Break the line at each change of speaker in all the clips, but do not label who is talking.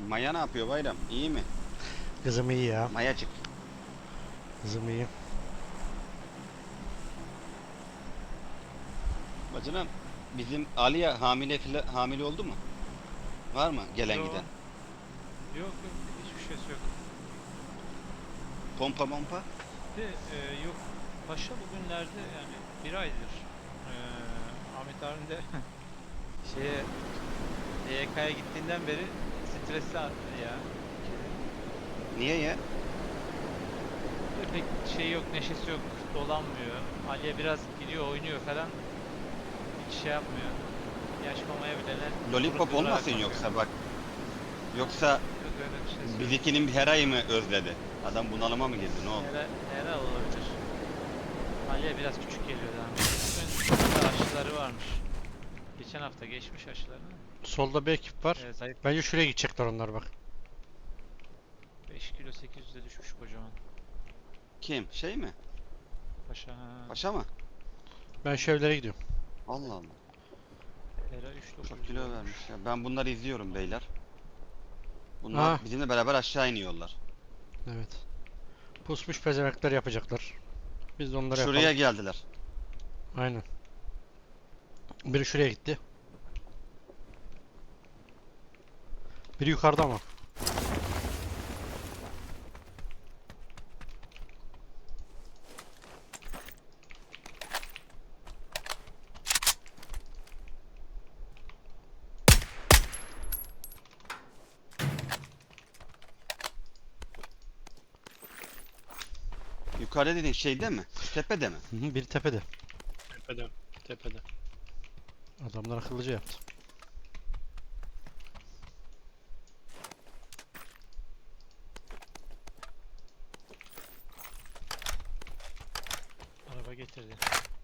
Maya ne yapıyor Bayram? İyi mi?
Kızım iyi ya.
Mayacık.
Kızım iyi.
Bacanam bizim Aliye hamile oldu mu? Var mı gelen
Yo,
giden?
yok, hiçbir şeysi yok.
Pompa mompa?
Yok, Paşa bugünlerde yani bir aydır Ahmet abim de şeye YK'ya gittiğinden beri stresli ya.
Niye ya?
Pek şey yok, neşesi yok, dolanmıyor. Aliye biraz gidiyor, oynuyor falan. Hiç şey yapmıyor. Yaş mamaya bile
Lollipop olmasın yoksa bak. Yoksa
Yok öyle bir şey yok.
bizikinin her ayı mı özledi? Adam bunalıma mı girdi? Ne oldu?
Herhal olabilir. Aliye biraz küçük geliyor daha önce. Bugün aşıları varmış. Geçen hafta geçmiş aşılarını.
Solda bir ekip var.
Zayıf
Bence şuraya gidecekler onlar bak.
5 kilo 800'e düşmüş kocaman.
Kim? Şey mi?
Paşa ha.
Paşa mı?
Ben şu evlere gidiyorum.
Allah Allah.
Hera 3900
Çok kilo
olmuş.
vermiş ya. Ben bunları izliyorum beyler. Bunlar
Aa,
bizimle beraber aşağı iniyorlar.
evet. Pusmuş pezemekler yapacaklar. Biz de onları
Şuraya
yapalım.
geldiler.
Aynen. Biri şuraya gitti. Biri yukarıda ama.
Yukarıda dediğin şeyde mi? Tepede mi?
Hı hı, biri tepede.
Tepede. Tepede.
Adamlar akıllıca yaptı.
Araba getirdi.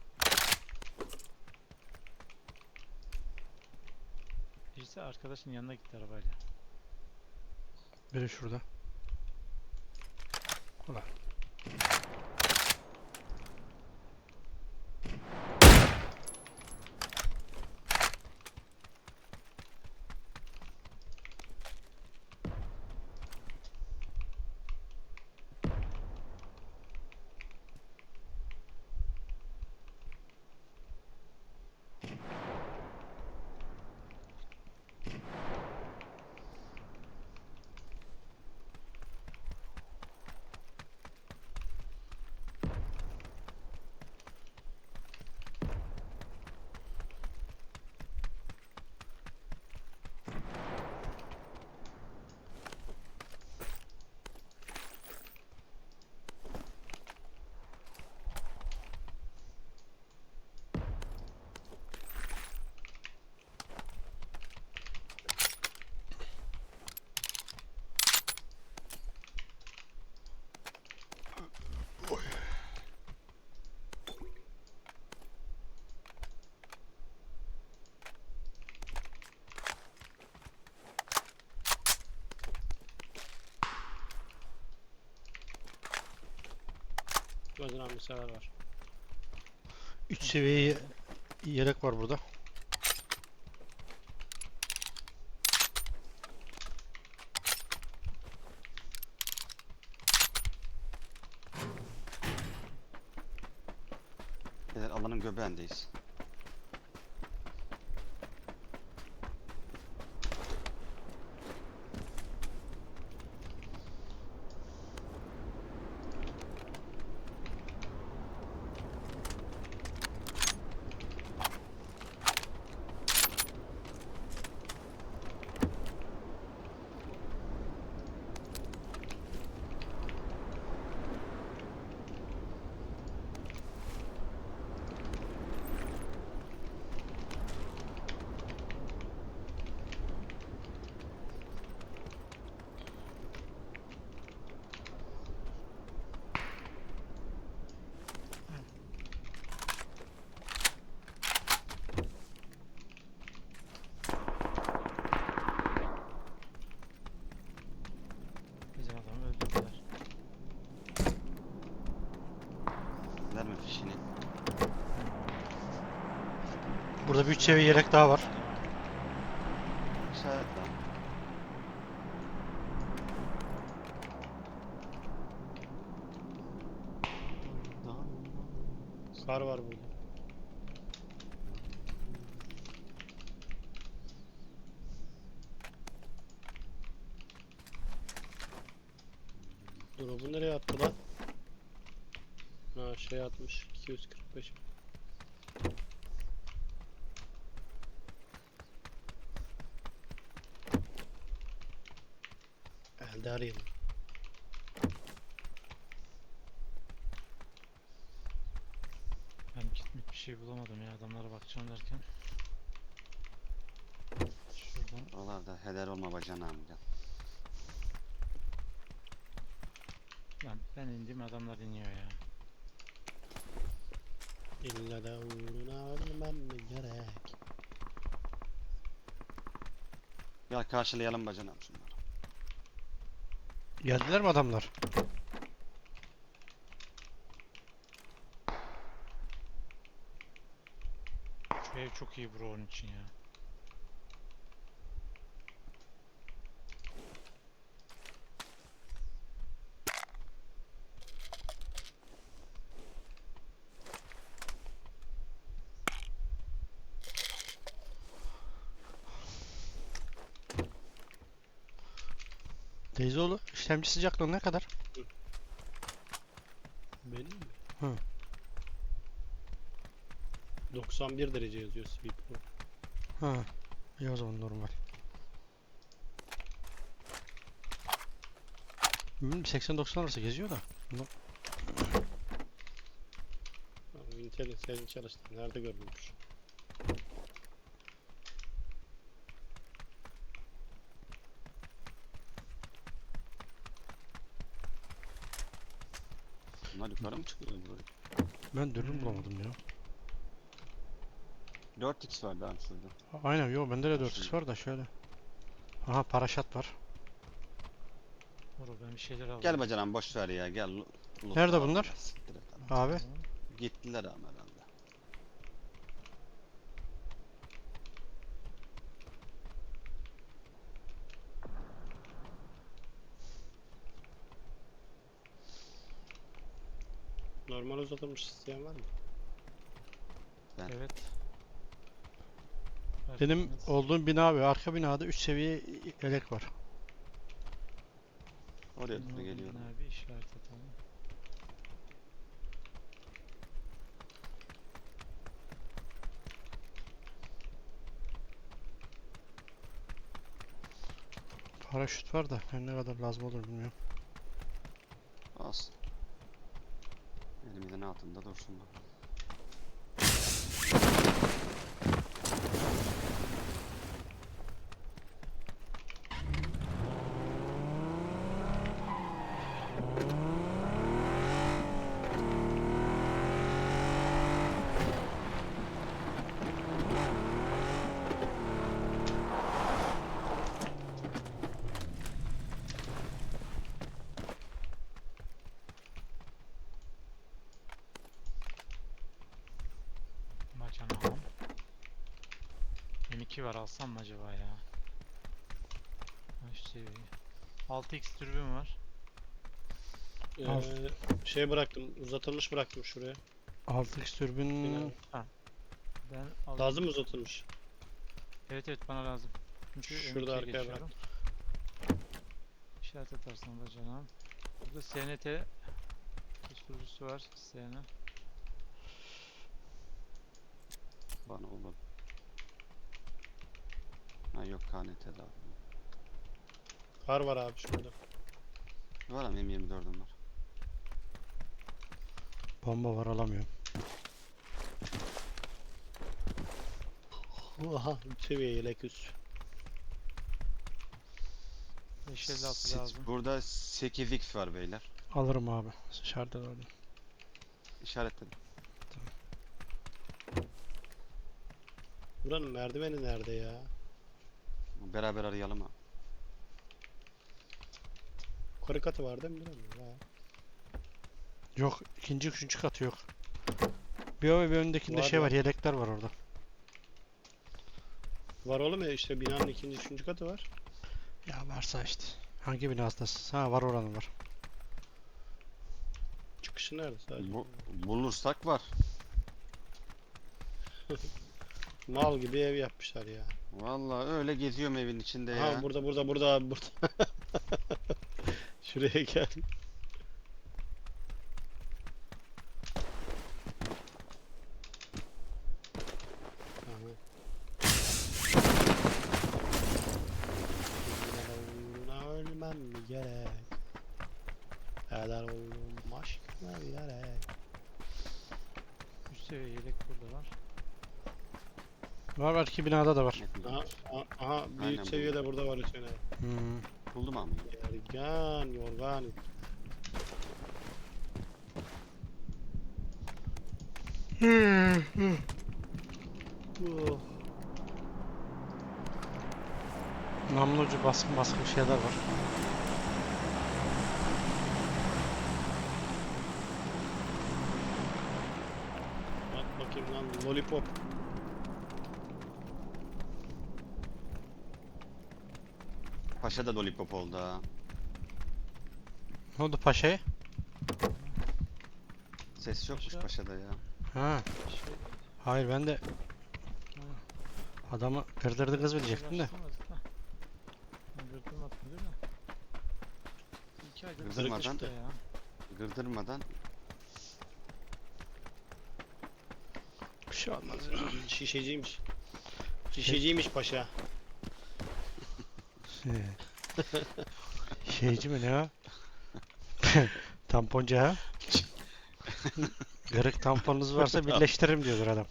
Birisi arkadaşın yanına gitti arabayla.
Biri şurada. Ulan.
Gözden bir sefer var.
3 seviye yelek var burada.
Beyler alanın göbeğindeyiz.
Bizim adamı öldürdüler.
Verme fişini.
Burada bir 3 seviye yelek daha var.
İşaret lan.
Kar var burada. Drop'u nereye attı lan? Ha şey atmış. 245. Elde arayayım.
Ben gitmek bir şey bulamadım ya adamlara bakacağım derken. Şuradan
Oralarda heder olma bacanağım gel.
ben indim adamlar iniyor ya.
İlla da uğruna ölmem mi gerek?
Gel karşılayalım bacanağım şunları.
Geldiler mi adamlar?
Şu ev çok iyi bro onun için ya.
Teyzeoğlu işlemci sıcaklığı ne kadar?
Benim mi?
Hı.
91 derece yazıyor Sweet Pro.
Ha. İyi o zaman normal. 80-90 arası geziyor da.
Intel'in senin çalıştığın nerede görülmüş?
Bunlar yukarı mı çıkıyor buraya?
Ben dürbün bulamadım ya.
4x vardı abi şurada.
Aynen yo bende de 4x var da şöyle. Aha paraşat var.
Bro ben bir şeyler aldım.
Gel bacanağım boş ver ya gel.
Nerede
alalım
bunlar?
ya, siktir et abi.
Abi.
Gittiler ama herhalde.
Normal uzatılmış isteyen var mı?
Evet.
Benim
Fark etmez.
olduğum bina ve arka binada 3 seviye yelek var.
Oraya
Benim
doğru
olduğum
geliyorum.
bina bir işaret atalım.
Paraşüt var da her ne kadar lazım olur bilmiyorum.
Olsun. Elimizin altında dursun bakalım.
Bacanağım. M2 var alsam mı acaba ya? Şu seviye. 6x türbüm var.
Al.
Şey bıraktım, uzatılmış bıraktım şuraya.
6x türbün
Bina.
Ben aldım.
Lazım mı uzatılmış?
Evet evet bana lazım. Çünkü
Şurada
M2'ye
arkaya
geçiyorum. İşaret atarsan da canım. Burada SNT susturucusu var. SN.
Bana olur. Ha yok KNT'de abi.
Kar var abi şurada.
Var ama M24'üm var.
bomba var alamıyorum.
Aha, seviye yelek üst.
556 lazım.
Burada 8x var beyler.
Alırım abi. Dışarıda orada.
İşaretledim.
Buranın merdiveni nerede ya?
Beraber arayalım abi.
Yukarı katı var değil mi? Buranın? Var.
Yok ikinci üçüncü katı yok. Bir o ve bir öndekinde
Var
şey
ya.
var yelekler var orada.
Var oğlum ya işte binanın ikinci, üçüncü katı var.
Ya varsa işte. Hangi binasındasın? Ha var oranın var.
Çıkışı nerede sadece?
Bulursak var.
Mal gibi ev yapmışlar ya.
Vallahi öyle geziyorum evin içinde ya.
Ha burada abi burada. Şuraya gel. Aha. Ölmem mi gerek? Eder oldum aşkına bilerek.
Üst seviye yelek burada var.
Var iki binada da var.
Aha bir
Aynen
üst
bu.
seviyede burada var Hüseyin abi.
Hmm.
Buldum abi.
Yergan, yorgan. Oh.
Namlu ucu baskın baskın şeyler var.
Bak bakayım lan lollipop.
Paşa da lollipop oldu ha.
Ne oldu paşaya?
Ses yokmuş
Paşa.
paşada ya.
Ha.
Şey,
Hayır ben de adamı kırdırdı kız bilecektim de.
Gırtım attı değil mi? 2 aydır
Gırdırmadan.
çıktı ya.
Gırdırmadan.
Bir şey olmaz.
Şişeciymiş. Şişeciymiş paşa.
Şeyci mi ne o? Tamponcu ha? Kırık tamponunuz varsa birleştiririm diyordur adam.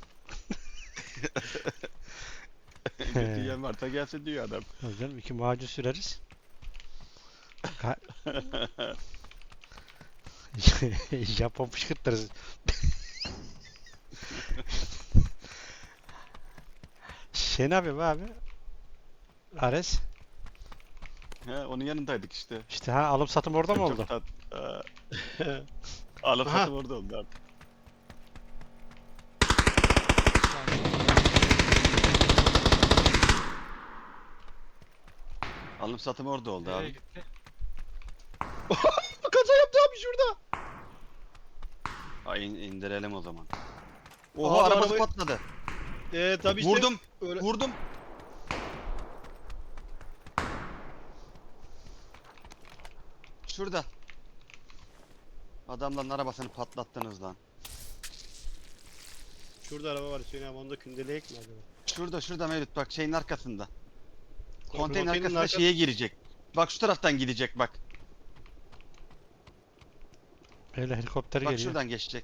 Götüyen varsa gelsin diyor adam.
Tabii canım iki macun süreriz. Japon fışkırtırız. Şey ne yapayım abi? Ares.
He, onun yanındaydık işte.
İşte ha alım satım orada mı oldu?
Alıp
Aha.
satım orada oldu abi. Alım satım orada oldu
Nereye
abi.
gitti?
Kaza yaptı abi şurada.
Ay indirelim o zaman.
Abi
Oha arabası
arabayı-
patladı.
Tabii işte
Vurdum.
öyle.
Vurdum. Şurada. Adamların arabasını patlattınız lan.
Şurada araba var Hüseyin abi, onda kündeleyek mi acaba?
Şurada Mevlüt bak şeyin arkasında. Konteyner
Konteynerin
arkasında
arka-
şeye girecek. Bak şu taraftan gidecek bak.
Böyle helikopter
Bak
geliyor.
şuradan geçecek.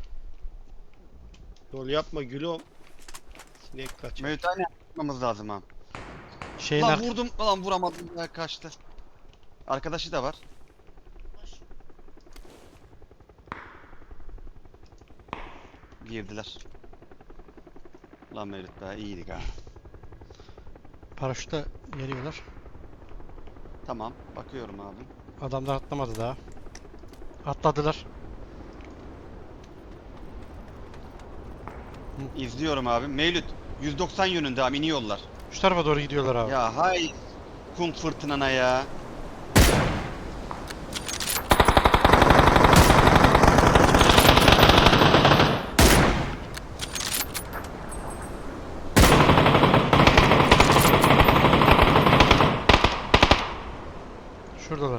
Yol yapma gülüm. Sinek kaçar.
Mevlüt aynen yapmamız lazım ha.
Şeyin
Lan
ar-
vurdum. Lan vuramadım ya kaçtı. Arkadaşı da var. Girdiler. Lan Mevlüt be iyiydik ha.
paraşütle geliyorlar.
Tamam bakıyorum abi.
Adamlar atlamadı daha. Atladılar.
İzliyorum abi. Mevlüt 190 yönünde abi iniyorlar.
Şu tarafa doğru gidiyorlar abi.
Ya hay kum fırtınana ya.
Şuradalar.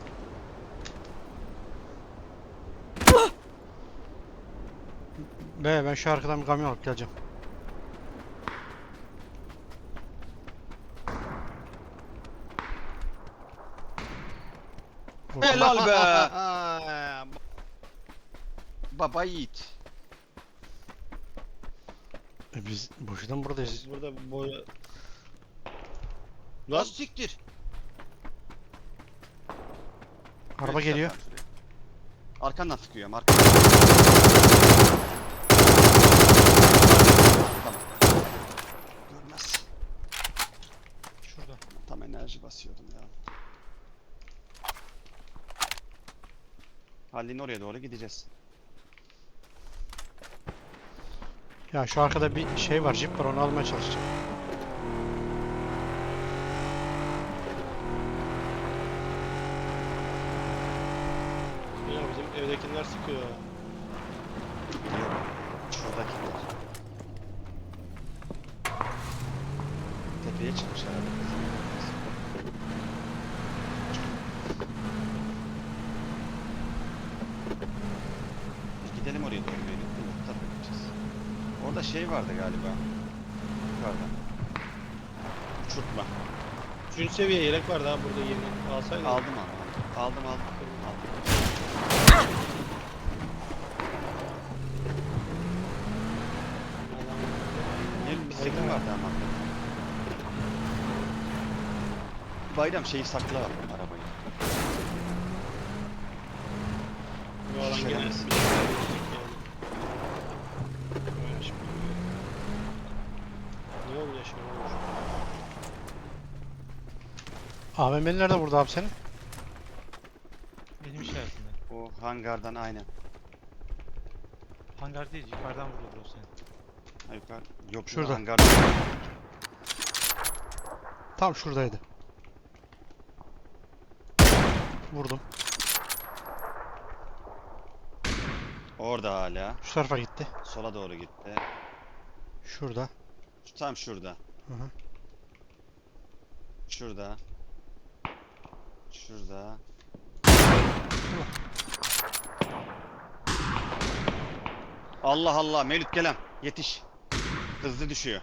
Ben şu arkadan bir kamyon alıp geleceğim. Vurdum.
Helal be.
Aa,
Baba yiğit.
Biz boşuna mı buradayız?
burada boya... Lan
Lan siktir.
Araba
Evet,
geliyor.
şuraya. Arkandan sıkıyorum arkandan. Tamam. Görmez.
Şurada.
Tam enerji basıyordum ya. Hallin oraya doğru gideceğiz.
Ya şu arkada bir şey var, jip var, onu almaya çalışacağım.
ya bizim evdekiler sıkıyor.
Biliyorum. Şuradakiler. Tepeye çıkmış herhalde. Biz gidelim oraya doğru böyle. Bu tarafa gideceğiz. Orada şey vardı galiba. Yukarıda. Uçurtma.
3. seviye yelek vardı ha burada yeni. Alsaydın.
Aldım ama. Aldım. Bir sekim vardı ama. Bayram şeyi sakla var arabayı.
Bu alan gene bir
Şerefsiz.
şeyler yapacak yani. Böyle şimdi. Ne oldu ya şimdi?
AVM'li nerede burada abi senin?
Benim işaretimde.
O hangardan aynen.
Hangar değil, yukarıdan vurdu bro seni.
Ha, yukarı. Yok
Şurada.
hangardan.
Tam şuradaydı. Vurdum.
Orada hala.
Şu tarafa gitti.
Sola doğru gitti.
Şurada.
Tam şurada.
Hı hı.
Şurada. Şurada. Allah Allah Mevlüt gelem. Yetiş. Hızlı düşüyor.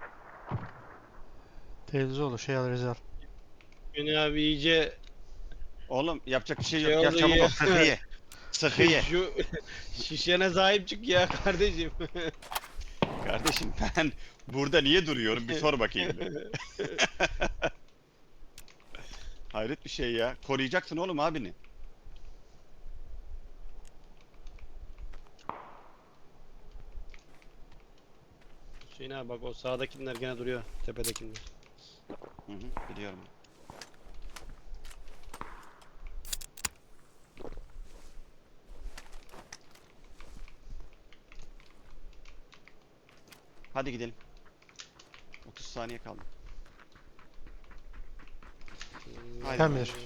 Teyzeoğlu şey al Rezal.
Beni abi iyice
Oğlum yapacak bir şey yok.
Şey
Gel
oldu
çabuk
ya.
ol. Sıkı ye. Sıkı ye.
şu şişene sahip çık ya kardeşim.
Kardeşim ben burada niye duruyorum? Bir sor bakayım. Hayret bir şey ya. Koruyacaksın oğlum abini.
Hüseyin abi bak o sağdakiler gene duruyor. Tepedekiler.
Hı hı, biliyorum. Hadi gidelim. 30 saniye kaldı. Haydi.
Sen bilir.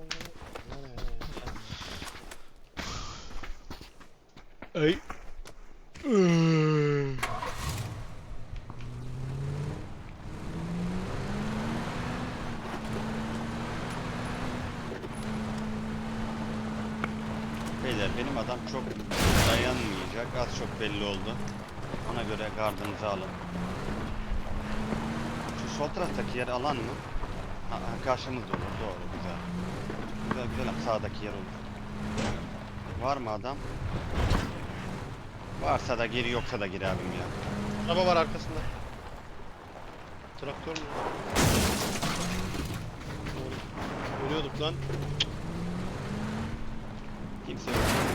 Ay.
Beyler benim adam çok dayanmayacak. Az çok belli oldu. Ona göre gardınızı alın. Şu sol taraftaki yer alan mı? Ha, karşımızda olur. Doğru. Güzel. Güzel ama sağdaki yer olur. Var mı adam? Varsa da gir yoksa da gir abim ya.
Araba var arkasında. Traktör mü? Doğru. Ölüyorduk lan.
Kimse yok.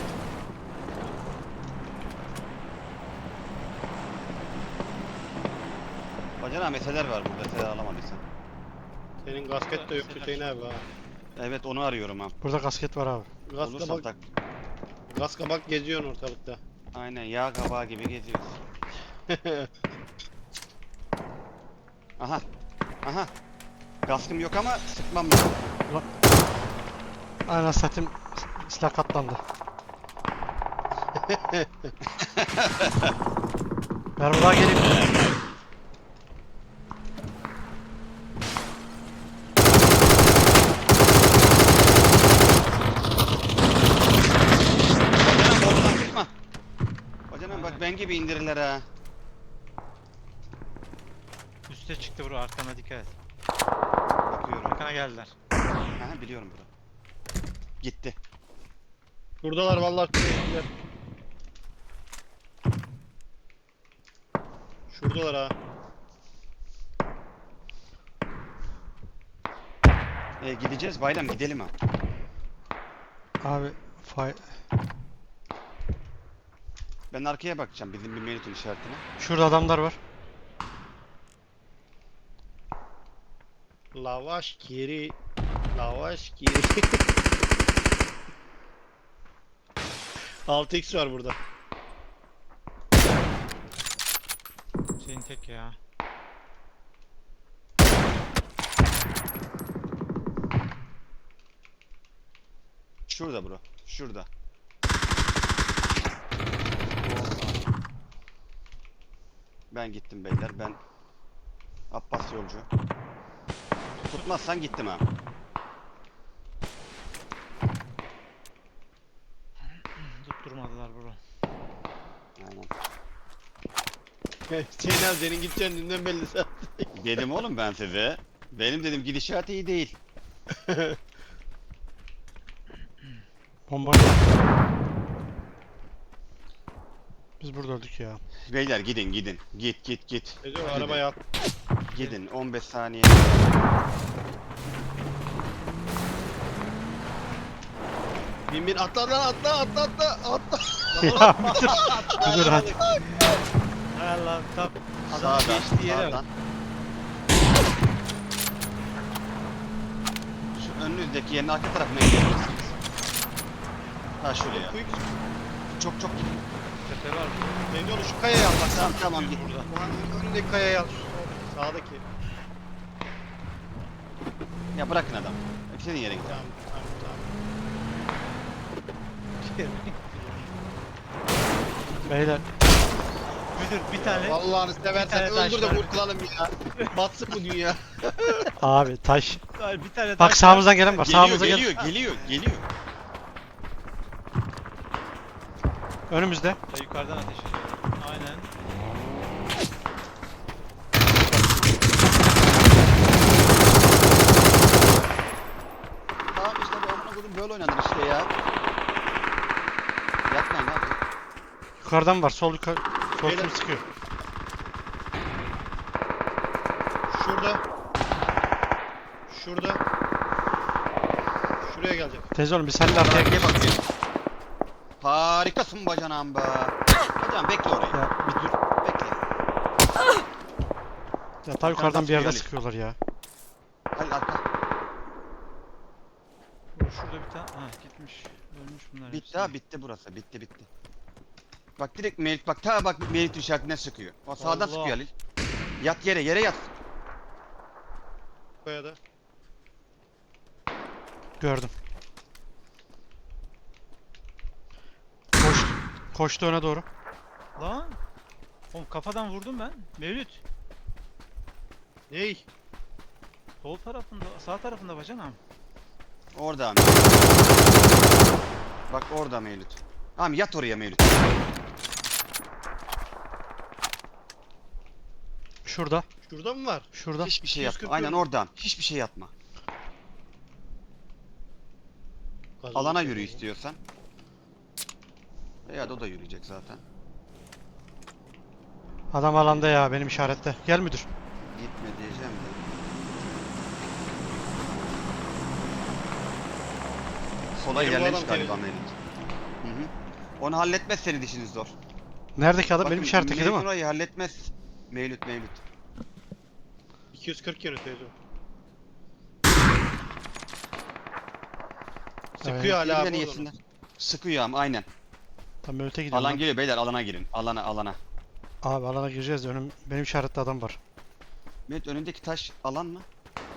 Bacana meseleler var burada. Mesele alamadıysan.
Senin gasket de yok Hüseyin abi ha.
Evet onu arıyorum ha.
Burada kasket var abi.
Gaz
Olursa
kabak,
tak.
gaz kabak geziyorsun ortalıkta.
Aynen yağ kabağı gibi geziyoruz. Aha. Aha. Kaskım yok ama sıkmam lazım.
Aynen satayım. Silah katlandı. Ben buradan geleyim.
Bacanam oradan çıkma. Bacanam bak
Aynen.
ben gibi indirirler ha.
Üste çıktı bro, arkana dikkat et.
Bakıyorum.
Arkana geldiler.
Aha biliyorum bunu. Gitti.
Buradalar vallahi. Şuradalar ha.
Gideceğiz bayram gidelim ha.
Abi fay...
Ben arkaya bakacağım bizim bir Melut'un işaretine.
Şurada adamlar var.
Lavaş geri. Lavaş geri. 6x var burada.
Şeyin tek ya.
Şurada bro. Şurada. Ben gittim beyler. Ben Abbas yolcu. Tutmazsan gittim ha.
Tutturmadılar bro.
Aynen.
Hüseyin abi senin gideceğin dünden belli zaten.
Dedim oğlum ben size. Benim dedim gidişat iyi değil.
Bomba. Biz burada öldük ya.
Beyler gidin gidin. Git.
Teyze o arabaya at.
Gidin 15 saniye.
Bin atla lan atla.
Ya bir dur hadi.
Hay Allah tam adamın
Sağdan,
geçtiği yere bak.
sağdan. Şu önünüzdeki yerin arka tarafına gidebilirsiniz. Ha şuraya.
Quick.
Çok gidin.
Tepe var.
Teyze onu şu kayaya al bak.
Tamam git.
Bu önündeki kayaya al. Sağdaki.
Ya bırakın adam. Senin yere git.
Tamam.
Beyler
Müdür bir tane
Allah'ını seversen
tane taş
öldür de
var.
kurtulalım ya. Batsın bu dünya.
abi taş.
bir tane
Bak
taş
sağımızdan gelen var.
Geliyor,
Sağımıza gel.
geliyor.
Önümüzde.
var. Yukarıdan ateş ediyor. Aynen.
Tamam işte bu amına koydum böyle oynanır işte ya. Yapmayın abi.
Yukarıdan var. Sol yukarı. Sol
Beyler.
kim sıkıyor?
Şurada. Şuraya gelecek.
Teyze oğlum biz seninle arkaya
Arkaya bakayım. Harikasın bacanağım be. Bacanağım bekle orayı.
Ya bir dur.
Bekle.
Ya ta yukarıdan bir yerde
Ali.
sıkıyorlar ya.
Halil arka.
Şurada bir tane. Ha gitmiş. Ölmüş bunlar.
Bitti
hepsi.
ha bitti burası. Bitti. Bak direkt Merit bak ta bak Merit işaretine sıkıyor. O sağdan
Allah.
sıkıyor Halil. Yat yere yat.
Kayada.
Gördüm. Koştu öne doğru.
Lan. Oğlum kafadan vurdum ben. Mevlüt.
Ney?
Sol tarafında, sağ tarafında bacanam.
Orada abi. Bak orada Mevlüt. Tamam yat oraya Mevlüt.
Şurada.
Şurada mı var?
Şurada.
Hiçbir şey
240
yapma. Aynen
yönü.
oradan. Hiçbir şey yapma. Alana yürü istiyorsan. Veya da o da yürüyecek zaten.
Adam alanda ya benim işarette. Gel müdür.
Gitme diyeceğim de. Sola
Benim bu
ilerlemiş
adam
galiba
temiz.
Mevlüt. Hı hı. Onu halletmez senin işiniz zor.
Neredeki adam? Benim
Bakın,
işaretteki değil mi?
Mevlüt orayı halletmez. Mevlüt.
240 yönü teyze.
Evet.
Sıkıyor hala
Birbirlerine
abi
yesinler. Sıkıyor ama aynen.
Tam öte gidiyorum.
Alan
lan.
geliyor beyler alana girin. Alana.
Abi alana gireceğiz de benim işaretli adam var.
Mevlüt önündeki taş alan mı?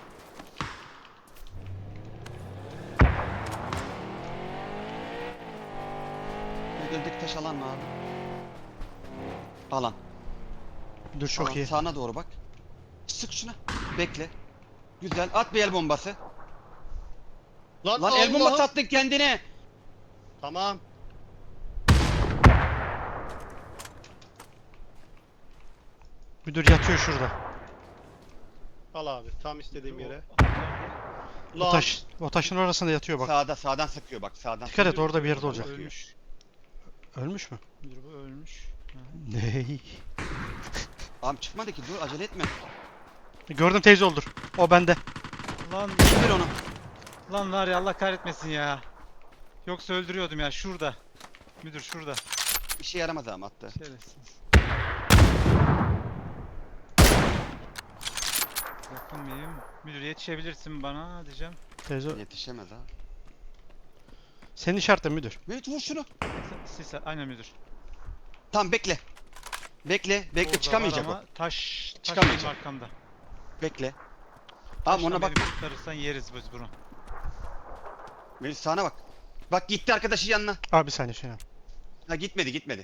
Mevlüt önündeki taş alan mı abi? Alan.
Müdür çok
Alan.
iyi.
Sağına doğru bak. Sık şuna. Bekle. Güzel. At bir el bombası. Lan el bombası attın kendine.
Tamam.
Müdür yatıyor şurada.
Al abi tam istediğim yere.
O taşın orasında yatıyor bak.
Sağdan sıkıyor bak sağdan.
Dikkat et orada bir yerde olacak.
Ölmüş.
Ölmüş mü?
Müdür bu ölmüş. Ha.
Ney?
Abi çıkmadı ki dur acele etme.
Gördüm teyze oldur. O bende.
Lan
İndir onu.
lan var ya Allah kahretmesin ya. Yoksa öldürüyordum ya şurada. Müdür şurada.
İşe yaramaz ama attı.
Şerefsiz. Yakın mıyım? Müdür yetişebilirsin bana diyeceğim.
Teyze
Yetişemez ha.
senin işaretin müdür.
Mevlüt vur şunu.
Sis aynen müdür.
Tamam bekle. Bekle
Orada var
çıkamayacak o.
ama taş
Çıkamayacak.
benim arkamda.
Bekle. Tamam ona
Taşla
bak.
beni kurtarırsan yeriz biz bunu.
Mevlüt sağına bak. Bak gitti arkadaşı yanına.
Abi bir saniye şey yap.
Ha gitmedi.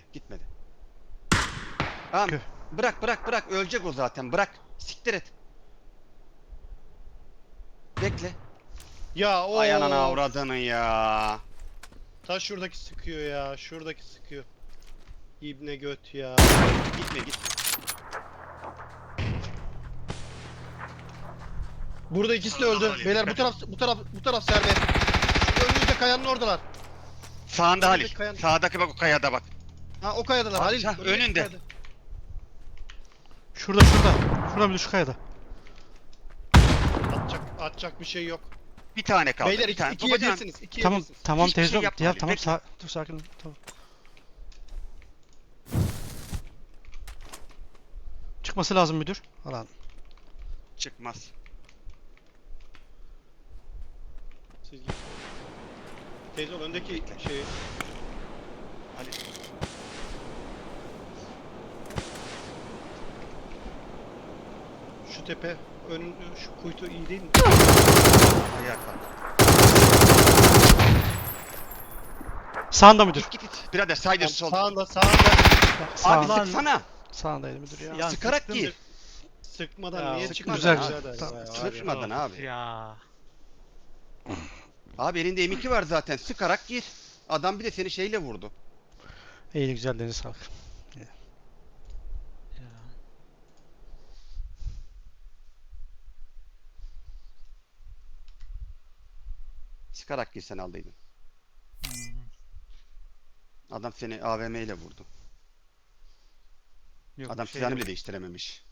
Tamam.
Kö.
Bırak ölecek o zaten bırak. Siktir et. bekle.
Ya o
Ay anana avradını ya.
ta şuradaki sıkıyor ya. Şuradaki sıkıyor. İbne göt ya.
Gitme gitme.
Burada ikisi de öldü. Beyler bu taraf serbest. Şu önümüzde kayanın oradalar.
Sağında Halil.
Kayan-
Sağdaki bak o kayada bak.
Ha o kayadalar Halil.
Ha,
Önümüzdeki
önünde.
kayada.
Şurada şurada. Şurada bir şu kayada.
Atacak bir şey yok.
Bir tane kaldı.
Beyler
bir tane.
ikiye
Babacan,
birsiniz. İkiye
Tamam
birsiniz.
tamam
Hiçbir şey
teyze
yapma
ya
Ali,
tamam
bekle.
dur sakin ol. Tamam. Çıkması lazım müdür. Alan.
çıkmaz.
Siz gidin. Teyze ol öndeki şey.
Ali.
Şu tepe. Şu kuytu iyi değil mi?
Ayağa kalk.
Sağında müdür.
Git. Birader saydır sol.
Sağında.
Abi
Sağ,
sıksana.
sağındaydı müdür ya.
Ya
Sıkarak
sıktım
gir.
Sıkmadan
Ya,
niye
sıkmadan
çıkmadın?
güzel,
birader
güzel.
ya?
Tamam,
Sıkmadan abi.
Ya.
Abi elinde M2 var zaten. Sıkarak gir. Adam bir de seni şeyle vurdu.
İyi güzel deniz sağlık.
Ya.
Sıkarak girsen aldıydın.
Hmm.
Adam seni AVM ile vurdu.
Yok,
Adam
şey
silahını
yok.
bile değiştirememiş.